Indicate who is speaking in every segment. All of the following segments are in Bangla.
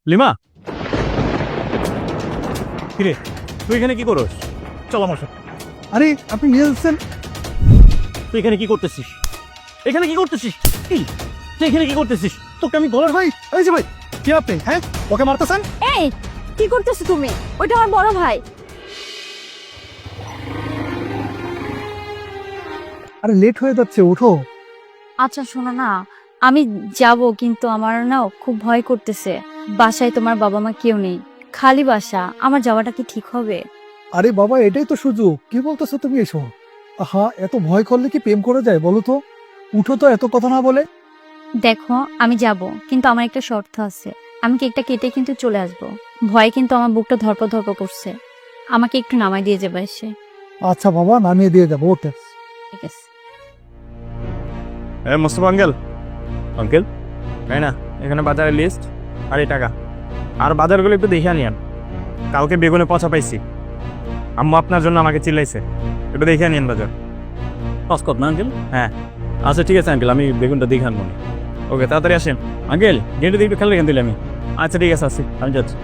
Speaker 1: লিমা, কিরে তুই এখানে কি করস? চল আমার সাথে।
Speaker 2: আরে আপনি নিয়ে যাচ্ছেন?
Speaker 1: তুই এখানে কি করতেছিস? এখানে কি করতেছিস? কি তুই এখানে কি করতেছিস? তোকে আমি বলার
Speaker 2: ভাই এই যে ভাই, কি আপনি হ্যাঁ ওকে মারতেছেন?
Speaker 3: এই কি করতেছো তুমি? ওইটা আমার বড় ভাই।
Speaker 2: আরে লেট হয়ে যাচ্ছে, ওঠো।
Speaker 3: আচ্ছা শোনো না, আমি যাব কিন্তু আমার না খুব ভয় করতেছে। বাসায় তোমার বাবা মা কেউ নেই, খালি বাসা। আমার যাওয়াটা কি ঠিক হবে?
Speaker 2: আরে বাবা, এটাই তো সুযোগ। কি বলতেছো তুমি এসো? আহা, এত ভয় করলে কি প্রেম করা যায় বলো তো? উঠো তো, এত কথা না বলে।
Speaker 3: দেখো আমি যাব, কিন্তু আমার একটা শর্ত আছে। আমি কেকটা কেটে কিন্তু চলে আসব। ভয় কিন্তু আমার বুকটা ধরপড় ধরপড় করছে। আমাকে একটু নামাই দিয়ে যাবে এসে।
Speaker 2: আচ্ছা বাবা, নামিয়ে দিয়ে যাবো, ওঠে।
Speaker 3: ঠিক আছে।
Speaker 1: মোস্তফা আঙ্কেল, আঙ্কেল তাই না, এখানে বাজারের লিস্ট আর এই টাকা, আর বাজারগুলো একটু দেখে আনিয়ান। কালকে বেগুনে পচা পাইছি, আম্মু আপনার জন্য আমাকে চিল্লাইছে, একটু দেখে আনিয়ান বাজার।
Speaker 4: পাসকপ না আঙ্কেল?
Speaker 1: হ্যাঁ
Speaker 4: আচ্ছা ঠিক আছে আঙ্কেল, আমি বেগুনটা দেখে আনবো।
Speaker 1: ওকে, তাড়াতাড়ি আসেন।
Speaker 4: আঙ্কেল গেটে দিয়ে একটু খেলে রেখে দিলে আমি
Speaker 1: আচ্ছা ঠিক আছে, আসি।
Speaker 4: আমি যাচ্ছি।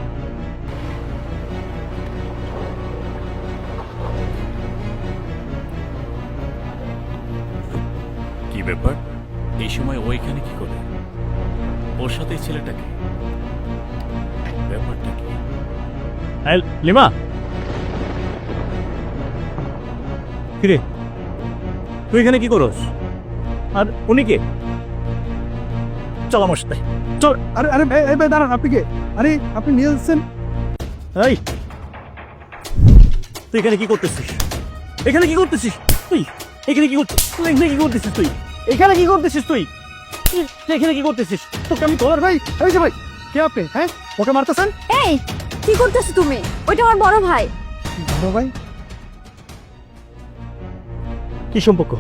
Speaker 4: কি ব্যাপার, এই সময় ও এখানে কি করে? ওর সাথে এই ছেলেটাকে, ব্যাপারটা কি?
Speaker 1: এই, লিমা, কিরে তুই এখানে কি করস? আর উনি কে? চল আমার সাথে, চল।
Speaker 2: আরে আরে এই ভাই দাঁড়ান, আপনি কে? আরে আপনি নিয়ে যাচ্ছেন?
Speaker 1: এই তুই এখানে কি করতেছিস? এখানে কি করতেছিস তুই? এখানে কি করছিস? এখানে কি করতেছিস তুই? এখানে কি করতেছিস তুই? তুই এখানে কি করতেছিস? তোকে আমি
Speaker 2: আর ভাই এই যে ভাই, কে আপনি হ্যাঁ ওকে মারতেছেন?
Speaker 3: এই কি করতেছো তুমি? ওইটা আমার বড় ভাই।
Speaker 2: বড় ভাই?
Speaker 1: কি সম্পর্ক?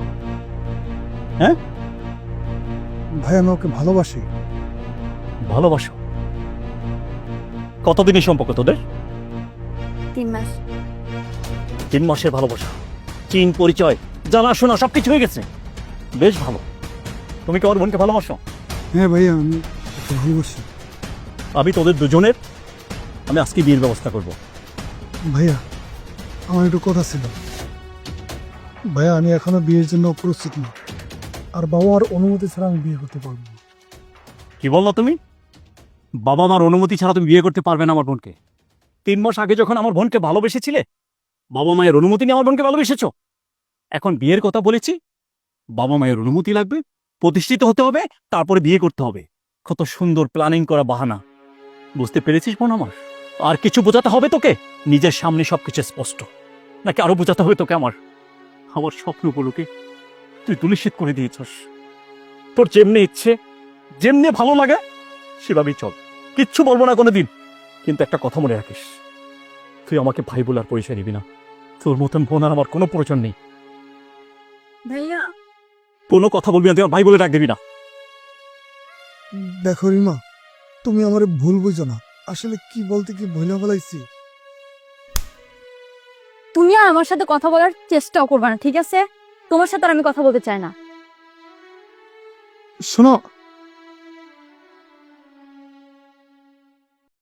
Speaker 2: ভাই আমি ওকে ভালোবাসি।
Speaker 1: ভালোবাসো? কতদিনের সম্পর্ক তোদের?
Speaker 3: 3 মাস।
Speaker 1: 3 মাসের ভালোবাসা, চিন পরিচয়, জানাশোনা সবকিছু হয়ে গেছে। বেশ ভালো। তুমি কি আমার বোনকে ভালোবাসো?
Speaker 2: হ্যাঁ ভাইয়া, আমি ওকে ভালোবাসি।
Speaker 1: আমি তোদের দুজনের, আমি আজকে বিয়ের ব্যবস্থা করব।
Speaker 2: ভাইয়া আমার একটু কথা ছিল। ভাইয়া আমি এখনো বিয়ের জন্য প্রস্তুত না, আর বাবা মার অনুমতি ছাড়া আমি বিয়ে করতে পারবো না।
Speaker 1: কি বললো তুমি? বাবা মার অনুমতি ছাড়া তুমি বিয়ে করতে পারবে না আমার বোনকে? 3 মাস আগে যখন আমার বোনকে ভালোবেসেছিলে, বাবা মায়ের অনুমতি নিয়ে আমার বোনকে ভালোবেসেছো। এখন বিয়ের কথা বলেছি, বাবা মায়ের অনুমতি লাগবে, প্রতিষ্ঠিত হতে হবে, তারপরে বিয়ে করতে হবে। কত সুন্দর প্ল্যানিং করা বাহানা। বুঝতে পেরেছিস বোন আমার? আর কিছু বোঝাতে হবে তোকে? নিজের সামনে সবকিছু স্পষ্ট, নাকি আরো বোঝাতে হবে তোকে? আমার আমার স্বপ্নগুলোকে তুই তুলিশিত করে দিয়েছস। তোর যেমনি ইচ্ছে, যেমনি ভালো লাগে সেভাবেই চল, কিচ্ছু বলবো না কোনোদিন। কিন্তু একটা কথা মনে রাখিস, তুই আমাকে ভাই বলার পরিচয় নিবি না। তোর মতন বোন আর আমার কোনো প্রয়োজন নেই।
Speaker 3: ভাইয়া
Speaker 1: কোনো কথা বলবি না, তুই আমার ভাই বলে ডাক দিবি না।
Speaker 2: দেখো রিমা, তুমি আমার ভুল বুঝো না। আসলে কি বলতে কি ভুলে বলাইছি।
Speaker 3: তুমি আর আমার সাথে কথা বলার চেষ্টাও করবে না, ঠিক আছে? তোমার সাথে আর আমি কথা বলতে চাই না।
Speaker 2: শোনো,